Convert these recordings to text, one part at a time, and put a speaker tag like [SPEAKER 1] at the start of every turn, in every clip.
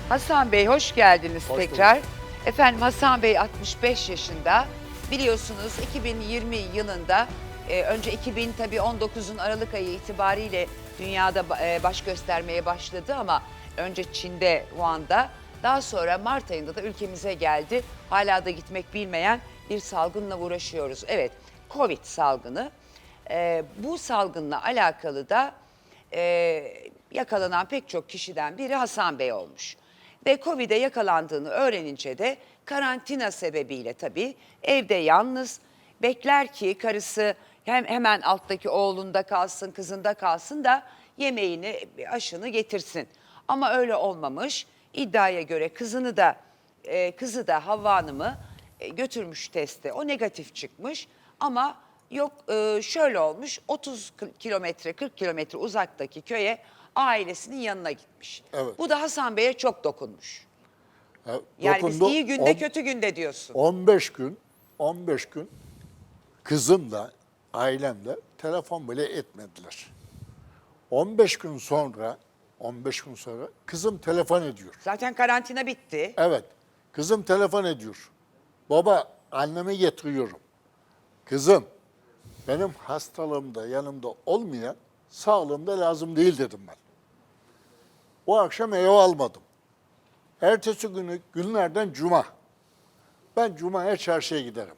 [SPEAKER 1] Hasan Bey hoş geldiniz
[SPEAKER 2] Hoş
[SPEAKER 1] tekrar.
[SPEAKER 2] bulduk.
[SPEAKER 1] Efendim Hasan Bey 65 yaşında. Biliyorsunuz 2020 yılında önce 2000 tabii 19'un Aralık ayı itibariyle dünyada baş göstermeye başladı ama önce Çin'de, Wuhan'da, daha sonra Mart ayında da ülkemize geldi. Hala da gitmek bilmeyen bir salgınla uğraşıyoruz. Evet, Covid salgını. Bu salgınla alakalı da yakalanan pek çok kişiden biri Hasan Bey olmuş. Ve Covid'e yakalandığını öğrenince de karantina sebebiyle tabii evde yalnız bekler ki karısı hemen alttaki oğlunda kalsın, kızında kalsın da yemeğini, aşını getirsin. Ama öyle olmamış. İddiaya göre kızı da Havva Hanım'ı götürmüş teste. O negatif çıkmış ama yok şöyle olmuş 30 kilometre 40 kilometre uzaktaki köye ailesinin yanına gitmiş.
[SPEAKER 2] Evet.
[SPEAKER 1] Bu da Hasan Bey'e çok dokunmuş. Yani biz
[SPEAKER 2] Dokundu.
[SPEAKER 1] iyi günde kötü günde diyorsun.
[SPEAKER 2] 15 gün kızımla, ailemle telefon bile etmediler. 15 gün sonra kızım telefon ediyor.
[SPEAKER 1] Zaten karantina bitti.
[SPEAKER 2] Evet, kızım telefon ediyor. Baba, annemi getiriyorum. Kızım, benim hastalığımda yanımda olmayan sağlığımda lazım değil dedim ben. O akşam eve almadım. Ertesi günü günlerden cuma. Ben cumaya çarşıya giderim.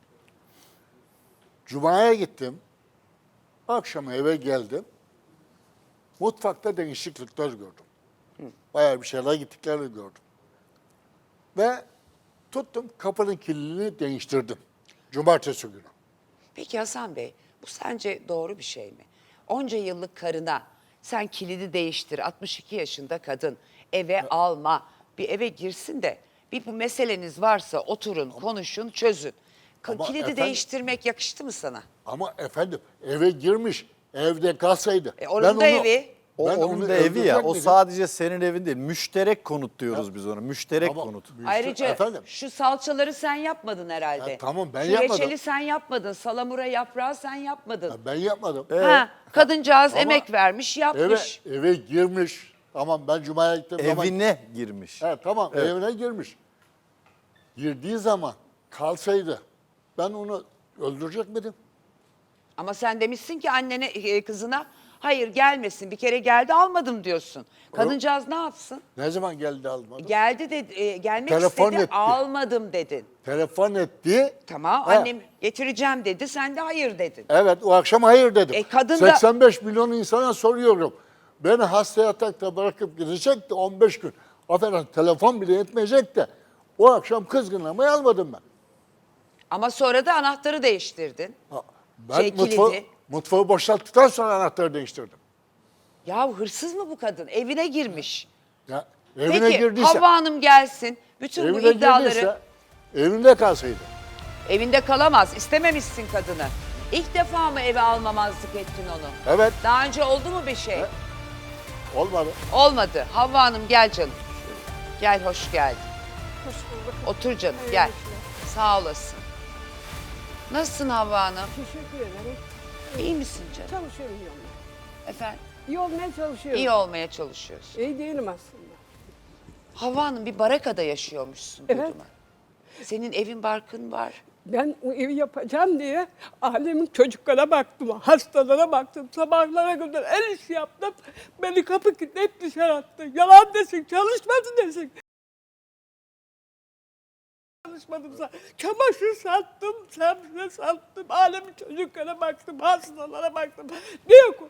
[SPEAKER 2] Cumaya gittim. Akşam eve geldim. Mutfakta değişiklikler gördüm. Bayağı bir şeyler gittiklerini gördüm. Ve tuttum kapının kilidini değiştirdim. Cumartesi günü.
[SPEAKER 1] Peki Hasan Bey, bu sence doğru bir şey mi? Onca yıllık karına sen kilidi değiştir, 62 yaşında kadın, eve alma, bir eve girsin de bir bu meseleniz varsa oturun, konuşun, çözün.
[SPEAKER 2] Ama
[SPEAKER 1] Kilidi
[SPEAKER 2] efendim-
[SPEAKER 1] değiştirmek yakıştı mı sana?
[SPEAKER 2] Ama efendim eve girmiş, evde kalsaydı.
[SPEAKER 1] Onun da evi.
[SPEAKER 3] Onun da evi ya. O sadece senin evin değil. Müşterek konut diyoruz biz ona. Müşterek
[SPEAKER 2] Ama
[SPEAKER 3] konut.
[SPEAKER 1] Ayrıca
[SPEAKER 2] efendim,
[SPEAKER 1] şu salçaları sen yapmadın herhalde.
[SPEAKER 2] Ya tamam, ben
[SPEAKER 1] şu
[SPEAKER 2] yapmadım.
[SPEAKER 1] reçeli sen yapmadın, salamura yaprağı sen yapmadın.
[SPEAKER 2] ben yapmadım.
[SPEAKER 1] Ha, kadıncağız
[SPEAKER 2] Ama
[SPEAKER 1] emek vermiş, yapmış.
[SPEAKER 2] Eve girmiş. Tamam, ben cumaya gittim.
[SPEAKER 3] Evine girmiş.
[SPEAKER 2] Tamam,
[SPEAKER 3] Evet.
[SPEAKER 2] evine girmiş. Girdiği zaman kalsaydı ben onu öldürecek miydim?
[SPEAKER 1] Ama sen demişsin ki annene, kızına hayır gelmesin, bir kere geldi almadım diyorsun. Kadıncağız ne yapsın?
[SPEAKER 2] Ne zaman geldi almadım?
[SPEAKER 1] Geldi de gelmek
[SPEAKER 2] Telefon
[SPEAKER 1] istedi,
[SPEAKER 2] etti.
[SPEAKER 1] almadım dedin.
[SPEAKER 2] Telefon etti.
[SPEAKER 1] Tamam,
[SPEAKER 2] Ha,
[SPEAKER 1] annem getireceğim dedi, sen de hayır dedin.
[SPEAKER 2] Evet, o akşam hayır dedim.
[SPEAKER 1] Kadın da-
[SPEAKER 2] 85 milyon insana soruyorum. Beni hasta yatakta bırakıp gidecek de 15 gün. Aferin, telefon bile etmeyecek de. O akşam kızgınlamayı almadım ben.
[SPEAKER 1] Ama sonra da anahtarı değiştirdin.
[SPEAKER 2] Ben
[SPEAKER 1] Kilidi.
[SPEAKER 2] mutfağı boşalttıktan sonra anahtarı değiştirdim.
[SPEAKER 1] Ya hırsız mı bu kadın? Evine girmiş.
[SPEAKER 2] Ya, evine
[SPEAKER 1] Peki
[SPEAKER 2] girdiyse,
[SPEAKER 1] Havva Hanım gelsin, bütün bu iddiaları
[SPEAKER 2] evinde kalsaydı.
[SPEAKER 1] evinde kalamaz. İstememişsin kadını. İlk defa mı eve almamazlık ettin onu?
[SPEAKER 2] Evet,
[SPEAKER 1] Daha önce oldu mu bir şey?
[SPEAKER 2] olmadı.
[SPEAKER 1] Olmadı. Havva Hanım gel canım. Gel, hoş geldin.
[SPEAKER 4] Hoş bulduk.
[SPEAKER 1] Otur canım,
[SPEAKER 4] Hayırlı
[SPEAKER 1] gel.
[SPEAKER 4] işler.
[SPEAKER 1] Sağ olasın. Nasılsın Havva Hanım?
[SPEAKER 4] Teşekkür ederim.
[SPEAKER 1] İyi misin canım?
[SPEAKER 4] Çalışıyorum yolda.
[SPEAKER 1] Efendim?
[SPEAKER 4] İyi olmaya çalışıyorum.
[SPEAKER 1] İyi olmaya çalışıyorsun.
[SPEAKER 4] İyi değilim aslında.
[SPEAKER 1] Havva Hanım bir barakada yaşıyormuşsun
[SPEAKER 4] Evet.
[SPEAKER 1] duydum ben. Senin evin barkın var.
[SPEAKER 4] Ben o evi yapacağım diye alemin çocuklara baktım, hastalara baktım, sabahlara kadar el işi yaptım. Beni kapı kilitleyip dışarı attı. Yalan desin, çalışmadı desin. Çalışmadım. Çamaşır sattım, sebze sattım, alemin çocuklara baktım, hastalara baktım. Ne yok?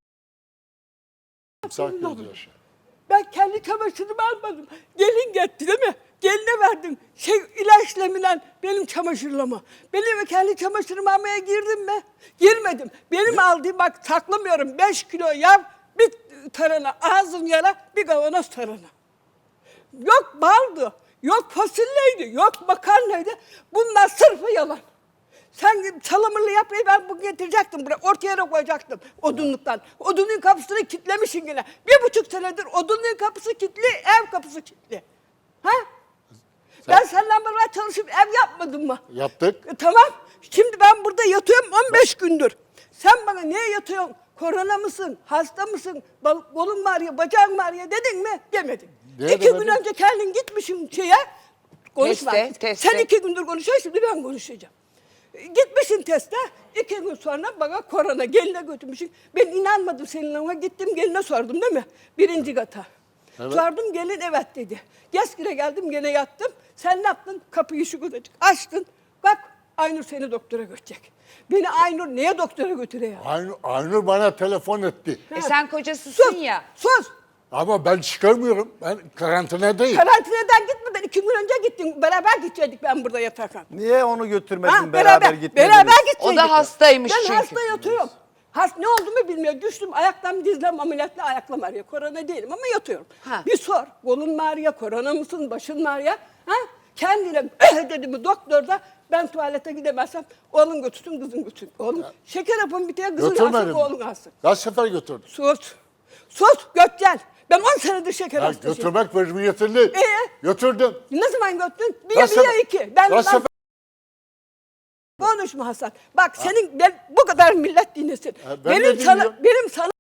[SPEAKER 2] Sakin ol.
[SPEAKER 4] Ben kendi çamaşırımı almadım. Gelin getti değil mi? Geline verdim. İlaçlamadan benim çamaşırlama. Benim kendi çamaşırımı almaya girdim mi? Girmedim. Benim aldığım bak saklamıyorum. 5 kilo yağ, bir tarhana, ağzım yara, bir kavanoz tarhana. Yok baldı, yok fasulyeydi, yok makarnaydı. Bunlar sırfı yalan. Sen salamurlu yaprağı ben bugün getirecektim buraya, ortaya yere koyacaktım odunluktan. Odunluğun kapısını kilitlemişsin yine. 1,5 senedir odunluğun kapısı kilitli, ev kapısı kilitli. Ha? Ben senden beraber çalışıp ev yapmadım mı?
[SPEAKER 2] Yaptık.
[SPEAKER 4] Tamam. Şimdi ben burada yatıyorum 15 gündür. Sen bana niye yatıyorsun? Korona mısın? Hasta mısın? Kolun var ya, bacağın var ya dedin mi? Demedin.
[SPEAKER 2] Neye
[SPEAKER 4] 2 gün
[SPEAKER 2] demedin?
[SPEAKER 4] önce kendin gitmişsin şeye. Konuşma.
[SPEAKER 1] Teste.
[SPEAKER 4] Sen 2 gündür konuşuyorsun, şimdi ben konuşacağım. Gitmişsin teste. 2 gün sonra bana korona geline götürmüşsün. Ben inanmadım senin ama gittim geline sordum değil mi? 1. kata.
[SPEAKER 2] Evet.
[SPEAKER 4] Sordum gelin evet dedi. Geskire geldim gene yattım. Sen ne yaptın? Kapıyı şu kadarcık açtın. Bak Aynur seni doktora götürecek. Beni Aynur niye doktora götürüyor?
[SPEAKER 2] Aynur bana telefon etti.
[SPEAKER 1] Sen kocasısın
[SPEAKER 4] Sus,
[SPEAKER 1] ya.
[SPEAKER 4] sus.
[SPEAKER 2] Ama ben çıkarmıyorum. Ben karantinadayım.
[SPEAKER 4] Karantinadan gitmeden 2 gün önce gittin. Beraber gidecektik ben burada yatarken.
[SPEAKER 3] Niye onu götürmedin,
[SPEAKER 4] Ha,
[SPEAKER 3] beraber gitmediniz?
[SPEAKER 4] Beraber gidecektik.
[SPEAKER 1] O da hastaymış
[SPEAKER 4] ben
[SPEAKER 1] çünkü.
[SPEAKER 4] hasta yatıyorum. Ne olduğumu bilmiyorum. Düştüm ayaklarım dizlem ameliyatla ayaklarım ağrıyor. Korona değilim ama yatıyorum.
[SPEAKER 1] Ha.
[SPEAKER 4] Bir sor. Kolun mu ağrıyor? Korona mısın? Başın mı ağrıyor? Ha? Kendine dedi mi doktor da ben tuvalete gidemezsem oğlun götürsün kızın götürsün. Oğlum şeker yapın bitiyor kızın alsın
[SPEAKER 2] Götürmedim.
[SPEAKER 4] oğlun alsın.
[SPEAKER 2] Kaç sefer götürdüm.
[SPEAKER 4] Sus. Sus Gökçen. Ben 10 senedir şeker
[SPEAKER 2] Ya
[SPEAKER 4] hastasıyım.
[SPEAKER 2] götürmek mecburiyetin değil.
[SPEAKER 4] Götürdüm. Ne zaman götürdün? Bir
[SPEAKER 2] Kaç
[SPEAKER 4] ya
[SPEAKER 2] sefer-
[SPEAKER 4] 2. Ben
[SPEAKER 2] kaç sefer-
[SPEAKER 4] konuşma Hasan. Bak senin ben bu kadar millet dinlesin.
[SPEAKER 2] ben de dinliyorum.
[SPEAKER 4] Benim sana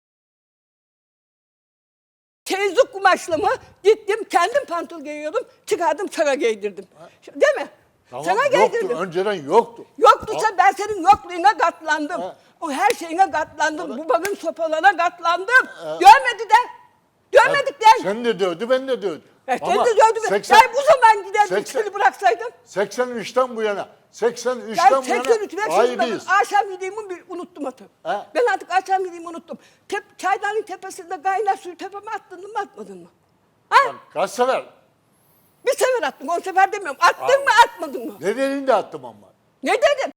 [SPEAKER 4] teyzlik kumaşlımı gittim kendim pantol giyiyordum çıkardım sana giydirdim. Değil mi?
[SPEAKER 2] Tamam,
[SPEAKER 4] sana
[SPEAKER 2] yoktu.
[SPEAKER 4] giydirdim.
[SPEAKER 2] Önceden yoktu.
[SPEAKER 4] Yoktu sen ben senin yokluğuna katlandım. O her şeyine katlandım. Bu bakın sopalarına katlandım. Görmedi de. Görmedik de.
[SPEAKER 2] Sen de dövdü, ben de dövdüm.
[SPEAKER 4] Sen
[SPEAKER 2] Ama
[SPEAKER 4] de gördün mü?
[SPEAKER 2] 80
[SPEAKER 4] Ben bu zaman giderdim
[SPEAKER 2] 80
[SPEAKER 4] seni bıraksaydım.
[SPEAKER 2] 83'ten bu yana, 83'ten
[SPEAKER 4] Ben
[SPEAKER 2] bu
[SPEAKER 4] 83
[SPEAKER 2] yana
[SPEAKER 4] ve
[SPEAKER 2] ayrıyız.
[SPEAKER 4] akşam yediğimi unuttum artık.
[SPEAKER 2] He?
[SPEAKER 4] Ben artık akşam yediğimi unuttum. Çaydanın tepesinde kaynar suyu tepeme attın mı atmadın mı? Ha?
[SPEAKER 2] Kaç sefer?
[SPEAKER 4] Bir sefer attım 10 sefer demiyorum. Attın mı atmadın mı?
[SPEAKER 2] Ne dediğini de attım ama.
[SPEAKER 4] Ne dedim?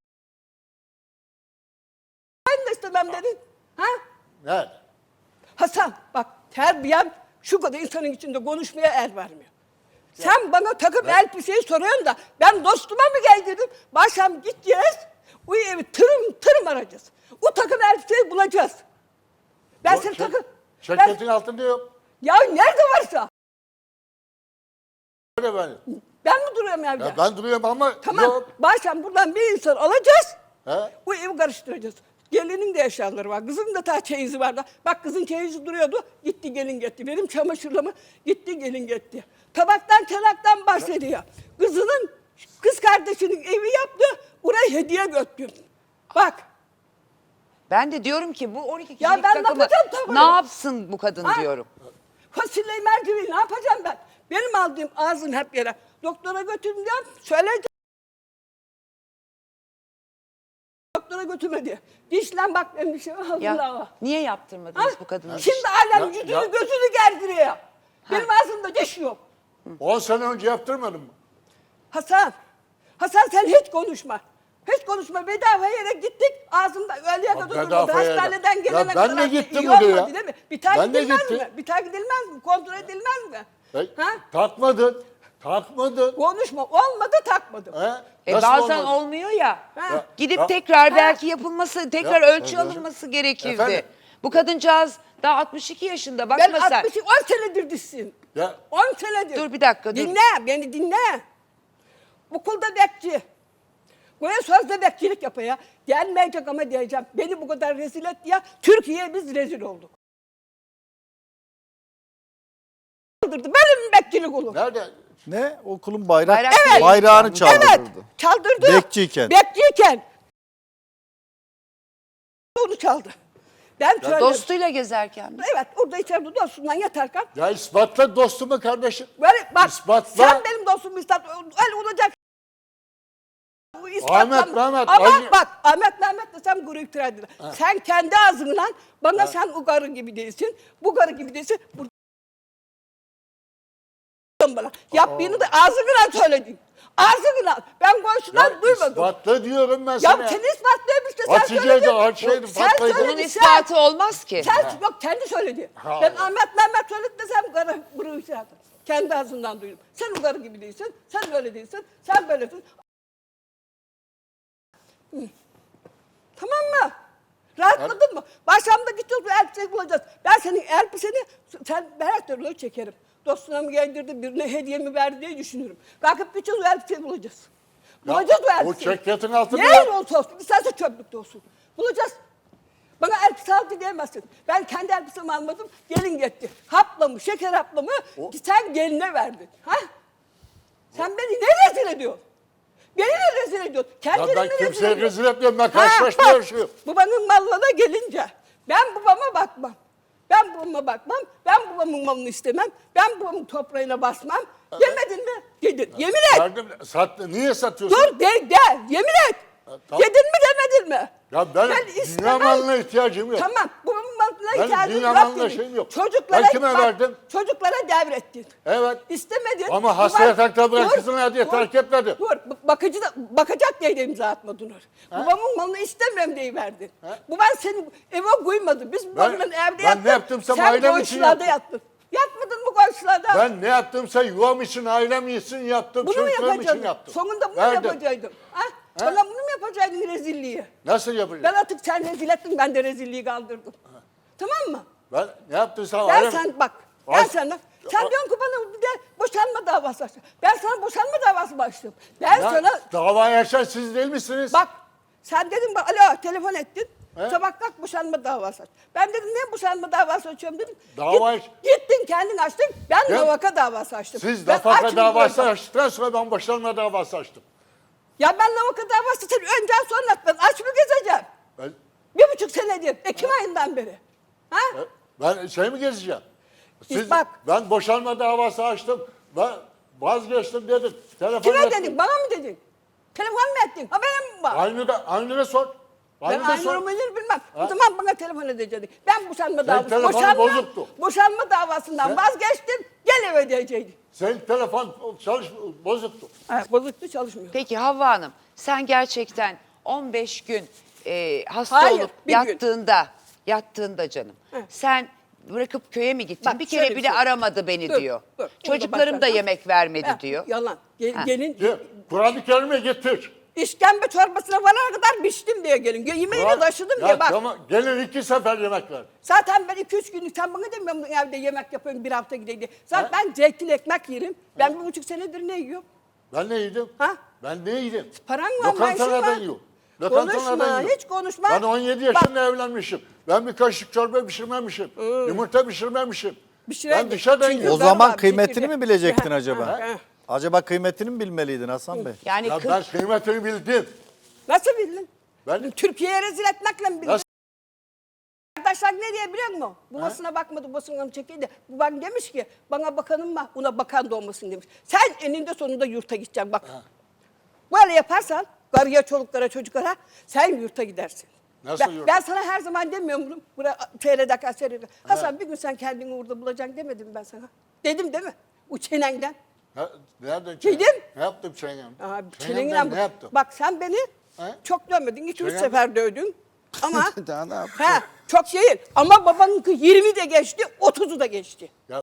[SPEAKER 4] Ben de istemem dedin. Ha?
[SPEAKER 2] Ne?
[SPEAKER 4] Hasan bak terbiyem şu kadar insanın içinde konuşmaya el vermiyor. Sen bana takım elbiseyi soruyorsun da ben dostuma mı geldim? Başım gideceğiz. O evi tırım arayacağız. O takım elbiseyi bulacağız. Ben seni takım...
[SPEAKER 2] Şirketin altında yok.
[SPEAKER 4] Ya nerede varsa.
[SPEAKER 2] Öyle ben.
[SPEAKER 4] Ben mi duruyorum evde?
[SPEAKER 2] Ya ben duruyorum ama
[SPEAKER 4] Tamam.
[SPEAKER 2] yok.
[SPEAKER 4] Başım buradan bir insan alacağız.
[SPEAKER 2] He?
[SPEAKER 4] O evi karıştıracağız. Gelinin de eşyaları var. Kızın da ta çeyizi vardı. Bak kızın çeyizi duruyordu. Gitti gelin gitti. Benim çamaşırlığımı gitti gelin gitti. Tabaktan çanaktan bahsediyor. Kızının kız kardeşinin evi yaptı. Oraya hediye götürdüm. Bak.
[SPEAKER 1] Ben de diyorum ki bu 12
[SPEAKER 4] Ya
[SPEAKER 1] kişilik
[SPEAKER 4] ben ne
[SPEAKER 1] takımı
[SPEAKER 4] yapacağım tabii?
[SPEAKER 1] ne yapsın bu kadın
[SPEAKER 4] Ha?
[SPEAKER 1] diyorum.
[SPEAKER 4] Fasulyeyi mercimeği ne yapacağım ben? Benim aldığım ağzın hep yere. Doktora götürdüm diyorum. Söyleyeceğim. Doktora götürmedi. Dişlen bak benim dişim.
[SPEAKER 1] Ya
[SPEAKER 4] Allah.
[SPEAKER 1] niye yaptırmadınız bu kadının?
[SPEAKER 4] Şimdi alem
[SPEAKER 2] Ya-
[SPEAKER 4] yüzünü
[SPEAKER 2] ya-
[SPEAKER 4] gözünü gerdiriyor. Benim ağzımda diş yok.
[SPEAKER 2] 10 sene önce yaptırmadın mı?
[SPEAKER 4] Hasan sen hiç konuşma. Hiç konuşma. Bedava yere gittik. Ağzımda öğleye kadar durmadı.
[SPEAKER 2] bedava yere.
[SPEAKER 4] Hastaneden
[SPEAKER 2] Ya
[SPEAKER 4] gelene
[SPEAKER 2] ben
[SPEAKER 4] kadar.
[SPEAKER 2] de gittim
[SPEAKER 4] iyi
[SPEAKER 2] oraya.
[SPEAKER 4] olmadı değil mi? Bir tane
[SPEAKER 2] Ben de
[SPEAKER 4] gidilmez
[SPEAKER 2] gittim.
[SPEAKER 4] mi? Bir tane gidilmez mi? Kontrol edilmez mi? Ha?
[SPEAKER 2] Takmadın. Takmadın.
[SPEAKER 4] Konuşma. Olmadı takmadım.
[SPEAKER 2] He? Nasıl
[SPEAKER 1] Bazen
[SPEAKER 2] olmadı?
[SPEAKER 1] olmuyor ya.
[SPEAKER 4] Ha.
[SPEAKER 1] Gidip
[SPEAKER 2] Ya-
[SPEAKER 1] tekrar belki yapılması, tekrar
[SPEAKER 2] Ya-
[SPEAKER 1] ölçü alınması gerekirdi.
[SPEAKER 2] Efendim?
[SPEAKER 1] Bu kadıncağız daha 62 yaşında.
[SPEAKER 4] Ben
[SPEAKER 1] Bakma sen.
[SPEAKER 4] 10 senedir dişsiyim.
[SPEAKER 2] Ya
[SPEAKER 4] 10 senedir.
[SPEAKER 1] Dur bir dakika, dur.
[SPEAKER 4] Dinle, beni dinle. Okulda bekçi. Buraya sözde bekçilik yapıyor. Gelmeyecek ama diyeceğim. Beni bu kadar rezil etti ya. Türkiye'ye biz rezil olduk. Benim bekçilik olur.
[SPEAKER 2] nerede?
[SPEAKER 3] Ne? Okulun
[SPEAKER 1] Bayrak değil.
[SPEAKER 3] bayrağını çaldırdı.
[SPEAKER 4] Evet, çaldırdı.
[SPEAKER 3] Bekçiyken.
[SPEAKER 4] Bekçiyken. Onu çaldı. Ben söyledim.
[SPEAKER 1] Dostuyla gezerken mi?
[SPEAKER 4] Evet, orada içeride dostumla yatarken.
[SPEAKER 2] Ya ispatla dostumu kardeşim.
[SPEAKER 4] Böyle bak,
[SPEAKER 2] İspatla.
[SPEAKER 4] sen benim dostum ispat. Öyle olacak. Bu ispatlam-
[SPEAKER 2] Ahmet, Mehmet,
[SPEAKER 4] Ama
[SPEAKER 2] Ali-
[SPEAKER 4] bak Ahmet Mehmet desem guru iftira eder. Sen kendi ağzınla bana sen o karı gibi değilsin. Bu karı gibi değilsin. Bana. Yaptığını da ağzınla söyledin. Ağzınla. Ben komşudan duymadım.
[SPEAKER 2] İspatla diyorum ben
[SPEAKER 4] Ya
[SPEAKER 2] sana.
[SPEAKER 4] seni ispatlayayım işte sen
[SPEAKER 2] Hatice'de
[SPEAKER 4] söyledin.
[SPEAKER 2] Hatice'de
[SPEAKER 4] Sen
[SPEAKER 2] patlaydı.
[SPEAKER 1] Bunun
[SPEAKER 4] söyledin
[SPEAKER 1] ispatı olmaz ki.
[SPEAKER 4] Sen yok kendi söyledi.
[SPEAKER 2] Ha.
[SPEAKER 4] Ben Ahmet Mehmet söyledi desem karı bunu iftira eder. Kendi ağzından duydum. Sen o karı gibi değilsin. Sen böyle değilsin. Sen böylesin. Tamam mı? Rahatladın mı? Başımda gideceğiz bu elbiseyi bulacağız. Ben senin elbiseni ben her türlü çekerim. Dostuna mı giydirdi, birine hediye mi verdi diye düşünürüm. Kalkıp gideceğiz o elbiseyi bulacağız. Bulacağız o
[SPEAKER 2] O
[SPEAKER 4] elbiseyi.
[SPEAKER 2] çekletin altında
[SPEAKER 4] Ne
[SPEAKER 2] yok.
[SPEAKER 4] olsa olsun, isterse çöplükte olsun. Bulacağız. Bana elbise aldı diyemezsin. Ben kendi elbisemi almadım, gelin gitti. Haplamı, şeker haplamı sen geline verdin. Ha? Sen beni ne rezil ediyorsun? Beni ne rezil ediyorsun?
[SPEAKER 2] Ya
[SPEAKER 4] Kendini
[SPEAKER 2] ben
[SPEAKER 4] mi
[SPEAKER 2] kimseye
[SPEAKER 4] ediyorsun?
[SPEAKER 2] rezil etmiyorum. Ben
[SPEAKER 4] Ha,
[SPEAKER 2] karşılaşmıyorum
[SPEAKER 4] bak,
[SPEAKER 2] şu.
[SPEAKER 4] Babanın malına gelince ben babama bakmam. Ben babama bakmam. Ben babamın malını istemem. Ben babamın toprağına basmam. Yemedin mi? Yedin. Yemin et.
[SPEAKER 2] Verdim, niye satıyorsun?
[SPEAKER 4] Dur de. Yemin et.
[SPEAKER 2] tamam.
[SPEAKER 4] Yedin mi demedin mi?
[SPEAKER 2] Ya ben dünya malına ihtiyacım yok.
[SPEAKER 4] Tamam. Babamın malına
[SPEAKER 2] Ben
[SPEAKER 4] ihtiyacın
[SPEAKER 2] dünya
[SPEAKER 4] yok
[SPEAKER 2] malına
[SPEAKER 4] dedin.
[SPEAKER 2] şeyim yok.
[SPEAKER 4] Çocuklara,
[SPEAKER 2] Ben kime
[SPEAKER 4] bak,
[SPEAKER 2] verdim?
[SPEAKER 4] Çocuklara devrettin.
[SPEAKER 2] Evet.
[SPEAKER 4] İstemedin.
[SPEAKER 2] Ama hastaya takla bırak
[SPEAKER 4] Dur,
[SPEAKER 2] kızına diye
[SPEAKER 4] dur,
[SPEAKER 2] terk etmedi.
[SPEAKER 4] Dur. Bakacak diye de imza atmadın Nur. Babamın malını istemiyorum diye verdin. Bu ben seni eve koymadım. Biz babamla evde
[SPEAKER 2] ben
[SPEAKER 4] yattık.
[SPEAKER 2] ne yaptımsa
[SPEAKER 4] Sen
[SPEAKER 2] ailem için
[SPEAKER 4] komşularda
[SPEAKER 2] yaptım.
[SPEAKER 4] yattın. Yatmadın mı komşularda?
[SPEAKER 2] Ben ne yaptımsa yuvam için, ailem için yaptım.
[SPEAKER 4] Bunu mu
[SPEAKER 2] Çocuklarım için
[SPEAKER 4] yapacaktın?
[SPEAKER 2] yaptım.
[SPEAKER 4] Sonunda bunu mu
[SPEAKER 2] Verdim.
[SPEAKER 4] yapacaktın? Ha? Bana bunu mu yapacaktın rezilliği?
[SPEAKER 2] Nasıl yapacağım?
[SPEAKER 4] Ben artık sen rezil ettin, ben de rezilliği kaldırdım. Tamam mı?
[SPEAKER 2] Ben ne yaptıysam
[SPEAKER 4] Ben
[SPEAKER 2] ailem...
[SPEAKER 4] sen bak,
[SPEAKER 2] Ay-
[SPEAKER 4] ben sana, sen diyorsun ki bana bir de boşanma davası açtım. Ben sana boşanma davası başladım. Ben
[SPEAKER 2] Ya,
[SPEAKER 4] sana,
[SPEAKER 2] davayı açan siz değil misiniz?
[SPEAKER 4] bak sen dedin bak, alo telefon ettin.
[SPEAKER 2] He?
[SPEAKER 4] Sabah kalk boşanma davası aç. Ben dedim ne boşanma davası açıyorum dedim.
[SPEAKER 2] Dava
[SPEAKER 4] Gittin kendin açtın, ben
[SPEAKER 2] Ya,
[SPEAKER 4] nafaka davası açtım.
[SPEAKER 2] Siz
[SPEAKER 4] Ben
[SPEAKER 2] nafaka
[SPEAKER 4] açım
[SPEAKER 2] davası
[SPEAKER 4] diyorum.
[SPEAKER 2] açtıktan sonra ben boşanma davası açtım.
[SPEAKER 4] Ya ben nafaka davası sen önceden sonra ben aç mı gezeceğim?
[SPEAKER 2] Ben,
[SPEAKER 4] 1,5 senedir, Ekim ayından beri. Ha?
[SPEAKER 2] ben şey mi gezeceğim? Siz,
[SPEAKER 4] Bak.
[SPEAKER 2] Ben boşanma davası açtım. Ben vazgeçtim dedim. Telefon
[SPEAKER 4] Kime
[SPEAKER 2] ettim.
[SPEAKER 4] dedin, bana mı dedin? Telefon mu ettin, haberin mi var?
[SPEAKER 2] Aynur'a sor.
[SPEAKER 4] Ben
[SPEAKER 2] Aynur'a
[SPEAKER 4] aynı
[SPEAKER 2] sor.
[SPEAKER 4] numarayı bilmem.
[SPEAKER 2] Ha?
[SPEAKER 4] O zaman bana telefon edecektin. Ben boşanma davası,
[SPEAKER 2] telefonun bozuktu.
[SPEAKER 4] boşanma davasından
[SPEAKER 2] Sen-
[SPEAKER 4] vazgeçtim, gel eve diyecektin.
[SPEAKER 2] Senin telefon bozuktu.
[SPEAKER 4] Ha, bozuktu çalışmıyor.
[SPEAKER 1] Peki Havva Hanım, sen gerçekten 15 gün hasta
[SPEAKER 4] Hayır,
[SPEAKER 1] olup
[SPEAKER 4] bir gün.
[SPEAKER 1] yattığında canım.
[SPEAKER 4] Hı.
[SPEAKER 1] Sen bırakıp köye mi gittin?
[SPEAKER 4] Bak,
[SPEAKER 1] Bir kere
[SPEAKER 4] şöyle bir
[SPEAKER 1] bile
[SPEAKER 4] şey.
[SPEAKER 1] aramadı beni
[SPEAKER 4] Dur,
[SPEAKER 1] diyor.
[SPEAKER 4] dur.
[SPEAKER 1] Çocuklarım
[SPEAKER 4] Bunu
[SPEAKER 1] da
[SPEAKER 4] da
[SPEAKER 1] yemek vermedi
[SPEAKER 4] Ha,
[SPEAKER 1] diyor.
[SPEAKER 4] Yalan.
[SPEAKER 1] Ha.
[SPEAKER 4] Gelin
[SPEAKER 2] Kur'an-ı Kerim'e getir.
[SPEAKER 4] işkembe çorbasına varana kadar biçtim diye gelin. Yemeğini taşıdım
[SPEAKER 2] Ya
[SPEAKER 4] diye bak.
[SPEAKER 2] Tamam, gelin 2 sefer yemek ver.
[SPEAKER 4] Zaten ben 2-3 günlük sen bana demiyor musun evde yemek yapıyorum bir hafta gideyim diye. Zaten ben zeytinli ekmek yerim. Ben 1,5 senedir ne yiyorum?
[SPEAKER 2] Ben ne yedim?
[SPEAKER 4] Ha?
[SPEAKER 2] Ben ne yedim?
[SPEAKER 4] Paran var, maaşın
[SPEAKER 2] Lokantalardan
[SPEAKER 4] var.
[SPEAKER 2] yiyorum.
[SPEAKER 4] Konuşma, hiç konuşma.
[SPEAKER 2] Ben 17 yaşında evlenmişim. Ben bir kaşık çorba pişirmemişim. Yumurta pişirmemişim.
[SPEAKER 4] Pişireydin.
[SPEAKER 2] Ben dışarıdan
[SPEAKER 4] Çünkü
[SPEAKER 2] yiyorum.
[SPEAKER 3] O zaman
[SPEAKER 4] var,
[SPEAKER 3] kıymetini
[SPEAKER 4] çekirge.
[SPEAKER 3] mi bilecektin
[SPEAKER 4] Ha,
[SPEAKER 3] acaba?
[SPEAKER 4] ha.
[SPEAKER 3] Acaba kıymetini mi bilmeliydin Hasan Bey?
[SPEAKER 1] Yani
[SPEAKER 2] Ya
[SPEAKER 1] kız-
[SPEAKER 2] ben kıymetini bildim.
[SPEAKER 4] Nasıl bildin?
[SPEAKER 2] Ben
[SPEAKER 4] Türkiye'ye rezil etmekle mi bildin?
[SPEAKER 2] Nasıl?
[SPEAKER 4] Arkadaşlar ne diye biliyor musun? Babasına bakmadı, babasına çekildi. Bu bana demiş ki, bana bakanım var, ona bakan da olmasın demiş. Sen eninde sonunda yurta gideceksin bak. Böyle yaparsan, karıya, çoluklara, çocuklara, sen yurta gidersin.
[SPEAKER 2] Nasıl
[SPEAKER 4] ben,
[SPEAKER 2] yurta?
[SPEAKER 4] ben sana her zaman demiyorum bunu. Buraya seyrederken. Hasan bir gün sen kendini orada bulacaksın demedim ben sana. Dedim değil mi? O çenenden.
[SPEAKER 2] Nereden
[SPEAKER 4] Dedim.
[SPEAKER 2] Ne yaptım çengem?
[SPEAKER 4] Aa,
[SPEAKER 2] Çengemden
[SPEAKER 4] çenenden
[SPEAKER 2] ne yaptım?
[SPEAKER 4] Bak sen beni
[SPEAKER 2] He?
[SPEAKER 4] çok dövmedin. 2-3
[SPEAKER 2] Çengemden-
[SPEAKER 4] sefer dövdün. Ama
[SPEAKER 3] Daha ne yaptın?
[SPEAKER 4] çok değil. Ama babanınki 20 de geçti, 30'u da geçti.
[SPEAKER 2] Ya